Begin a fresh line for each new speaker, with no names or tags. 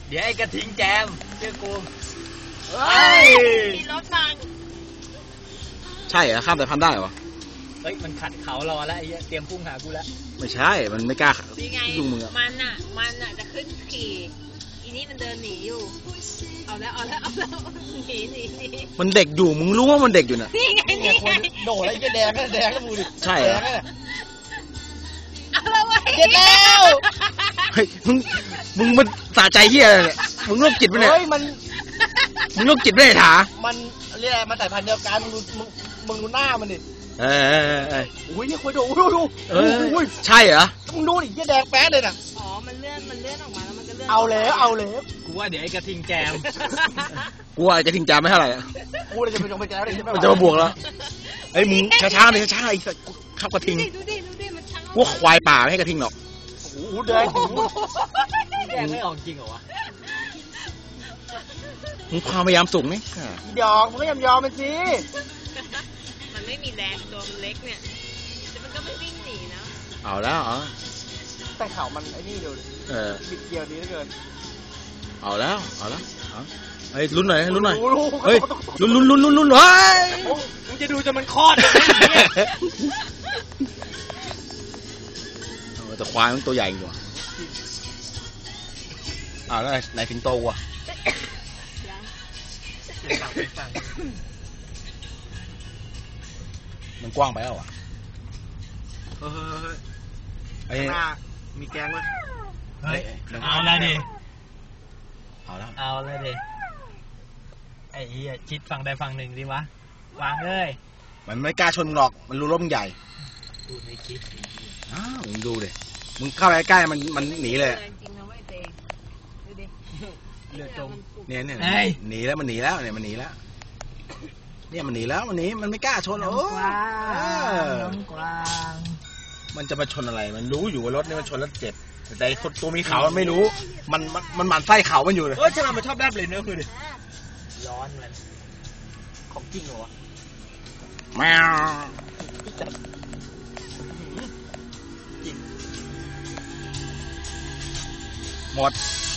เดี๋ยวไอ้กระทิงแจมเชื่อกู
มีรถฟัง
ใช่เหรอข้ามสายพันธุ์ได้เหรอ
เฮ้ยมันขัดเขารอแล้วไอ้เตรียมพุ่งหากูแล้ว
ไม่ใช่มันไม่กล้ายุ่งมือ
มันอ่ะจะขึ้นขี่อีนี่มันเดินหนีอยู่เอาแล้วหนี
มันเด็กอยู่มึงรู้ว่ามันเด็กอยู่น่ะ
นี่ไง
โดดแล้วไอ้แดงก็แดงก็มูดิ
ใช่เหรอ
เอาแล้วไว้
เด็ดแล้ว
เฮ้ยมึงมันสะใจเฮียอะไรเนี่ยมึงโรคจิตปะเนี่ยมึงโรคจิตไม่ได้ถา
มันเรียกมันสายพันธุ์เดียวกันมึงดูหน้ามันดิโอ้ยเนี่ยคุยดู
ใช่เหรอ
มึงดูดิเหี้ยแดงแป๊ดเลยน่ะ
อ๋อมันเลื่อนออกมาแล้วมันก็เลื่อน
เอาแล้ว
กูว่าเดี๋ยวไอ้กระทิงแจม
กูว่าจะทิ้งจามไม่เท่าไหร่
กูเลยจะไปจงไปแจมเลย
มันจะมาบวกแล้วไอ้มึงช้าๆเลยช้าๆไอ้ขับกระทิง
ดูดิมันช้า
พวกควายป่าไม่ให้กระทิงหรอก
โอ้โหแดง
ไม่ออกจริงเหรอวะ
มึงความพยายามสูงนี่
ดอกมึงก็ยอมมันสิ
มันไม่มีแรงตัวมันเล็กเนี่ยแต่มันก็ไม่วิ่งหนีนะ
เอาแล้ว
แต่เขามันไอ้นี่ดูบิดเกี่ยวดีเหลือเกิน
เอาแล้วไอ้ลุ้นหน่อยเฮ้ยลุ้นเฮ้ย
มึงจะดูจนมันคลอด
แต่ควายมันตัวใหญ่กว่าแล้วนายสิงโตว่ะมันกว้างไปแล้วอ่ะ
ไอ้หน้ามีแกงไหม
เฮ้ยเอาแล้วดิไอ้เหี้ยชิดฝั่งใดฝั่งหนึ่งดิวะวางเลย
มันไม่กล้าชนมึงหรอกมันรู้ร่มใหญ่
ดูในคลิป
มึงดูดิมึงเข้าไปใกล้มันหนีเลย
เลือดตรง
เนี่ยหนีแล้วมันหนีแล้วเนี่ยมันหนีแล้วมันไม่กล้าชน
กวาง
มันจะมาชนอะไรมันรู้อยู่ว่ารถนี่มันชนแล้วเจ็บแต่ตัวมีเขามันไม่รู้มันหมั่นไส้เขามันอยู่เลย
ฉลามมันชอบแลบเลยเนื้อคือดิ
ร้อนมัน
ของจริงเหรอวะ
แมวหมด